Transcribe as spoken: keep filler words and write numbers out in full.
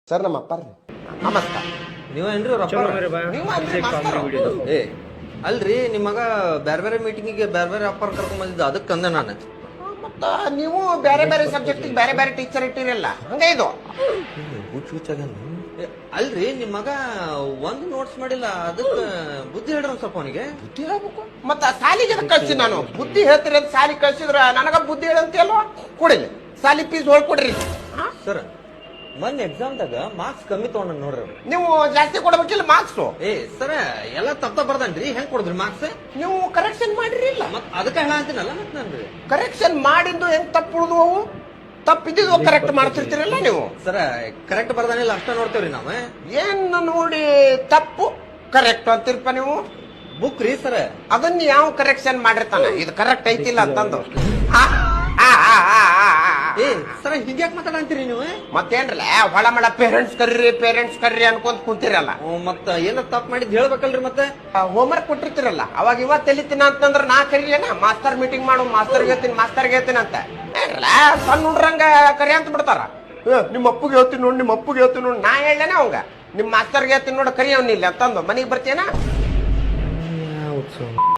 Sir ನಮ್ಮ ಅಪ್ಪ ರೀ ನಮಸ್ಕಾರ. ನೀವೇನ್ರಿ ಅವ್ರ ಅಪ್ಪ? ನೀವು ಅಲ್ರಿ ಮಾಸ್ತರು? ಏ ಅಲ್ರಿ ನಿಮ್ ಮಗ ಬ್ಯಾರೆ ಬೇರೆ ಮೀಟಿಂಗಿಗೆ ಬ್ಯಾರೆ ಬೇರೆ ಅಪ್ಪರ್ ಕರ್ಕೊಂಡ್ ಬಂದಿದ್ದ ಅದಕ್ಕೆ ಅಂದೆ ನಾನು. ಮತ್ತ ನೀವು ಬೇರೆ ಬೇರೆ ಸಬ್ಜೆಕ್ಟಿಗೆ ಬೇರೆ ಬೇರೆ ಟೀಚರ್ ಇಟ್ಟಿರಲ್ಲ ಹಂಗೆ ಇದು. ಹುಚ್ಚು ಹುಚ್ಚಾಗಲ್ಲ. ಅಲ್ರಿ ನಿಮ್ ಮಗ ಒಂದು ನೋಟ್ಸ್ ಮಾಡಿಲ್ಲ ಅದಕ್ಕೆ ಬುದ್ಧಿ ಹೇಳ್ರಿ ಒಂದ್ ಸ್ವಲ್ಪ ಅವನಿಗೆ. ಬುದ್ಧಿ ಹೇಳ್ಬೇಕು ಮತ್ತ ಸಾಲಿಗೆ ಕಳ್ಸಿ ನಾನು ಬುದ್ಧಿ ಹೇಳ್ತೀರಿ ಅಂತ ಸಾಲಿ ಕಳ್ಸಿದ್ರ ನನಗ ಬುದ್ಧಿ ಹೇಳಂತೇಲ್ವ ಕೊಡಿಲ್ಲ ಸಾಲಿ ಫೀಸ್ ಹೊಳ್ಕೊಡ್ರಿ. ಸರ್ ಮೊನ್ನೆ ಎಕ್ಸಾಮ್ದಾಗ ಮಾರ್ಕ್ಸ್ ಕಮ್ಮಿ ತಗೊಂಡ ನೋಡ್ರಿ ಅವ್ರು. ನೀವು ಜಾಸ್ತಿ ಕೊಡ್ಬೇಕಿಲ್ಲ ಮಾರ್ಕ್ಸ್. ಏ ಸರ ಎಲ್ಲ ತಪ್ಪ ಬರ್ದನ್ರಿ ಹೆಂಗ್ ಕೊಡಿದ್ರಿ ಮಾರ್ಕ್ಸ್? ನೀವು ಕರೆಕ್ಷನ್ ಮಾಡಿರಿ ಇಲ್ಲ ಮತ್ ಅದಕ್ಕೆ ಹೇಳ ಅಂತೀನಲ್ಲ ಮತ್ ನನ್ರಿ ಕರೆಕ್ಷನ್ ಮಾಡಿದ್ದು ಹೆಂಗ್ ತಪ್ಪು ಉಳಿದು ಅವು ತಪ್ಪಿದ್ದು ಕರೆಕ್ಟ್ ಮಾಡ್ತಿರ್ತೀರಲ್ಲ ನೀವು. ಸರ ಕರೆಕ್ಟ್ ಬರ್ದಾನಿಲ್ಲ ಅಷ್ಟ ನೋಡ್ತೇವ್ರಿ ನಾವ್. ಏನ್ ನೋಡಿ ತಪ್ಪು ಕರೆಕ್ಟ್ ಅಂತಿರ್ಪ ನೀವು. ಬುಕ್ ರೀ ಸರ ಅದನ್ನ ಯಾವ ಕರೆಕ್ಷನ್ ಮಾಡಿರ್ತಾನ ಇದು ಕರೆಕ್ಟ್ ಐತಿಲ್ಲ ಅಂತಂದು. ಆ, ಆ, ಆ, ಆ, ಆ, ಆ. ಏ ಸರ ಹಿಂಗ್ಯಾಕ್ ಮಾತಾಡಂತೀರಿ ನೀವು? ಮತ್ತೇನ್ರಲ್ಲ ಹೊಳಮಳ ಪೇರೆಂಟ್ಸ್ ಕರ್ರಿ ಪೇರೆಂಟ್ಸ್ ಕರ್ರಿ ಅನ್ಕೊಂತ ಕುಂತಿರಲ್ಲ. ಹ್ಮ್, ಮತ್ತ ಏನ ತಪ್ಪ ಮಾಡಿದ್ ಹೇಳ್ಬೇಕಲ್ರಿ ಮತ್ತೆ. ಹೋಮ್ವರ್ಕ್ ಕೊಟ್ಟಿರ್ತಿರಲ್ಲ ಅವಾಗ ಇವತ್ತು ತೆಲಿತೀನಿ ಅಂತಂದ್ರ ನಾ ಕರೀಲೇನ ಮಾಸ್ತರ್ ಮೀಟಿಂಗ್ ಮಾಡು ಮಾಸ್ತರ್ ಹೇಳ್ತೀನಿ ಮಾಸ್ತರ್ ಹೇಳ್ತೀನಿ ಅಂತ ಏನ್ರಲ್ಲ ಸಣ್ಣ ಹುಡ್ರಂಗ ಕರಿ ಅಂತ ಬಿಡ್ತಾರ. ನಿಮ್ಮ ಅಪ್ಪಗೆ ಹೇಳ್ತೀನಿ ನೋಡಿ ನಿಮ್ಮ ಅಪ್ಪಗೆ ಹೇಳ್ತೀನಿ ನೋಡಿ ನಾ ಹೇಳೇನ ಅವಂಗ ನಿಮ್ ಮಾಸ್ತರ್ಗೆ ಹೇಳ್ತೀನಿ ನೋಡಿ ಕರಿ ಅವ್ನಿಲ್ಲ ಅಂತಂದು ಮನೆಗೆ ಬರ್ತೀಯನ.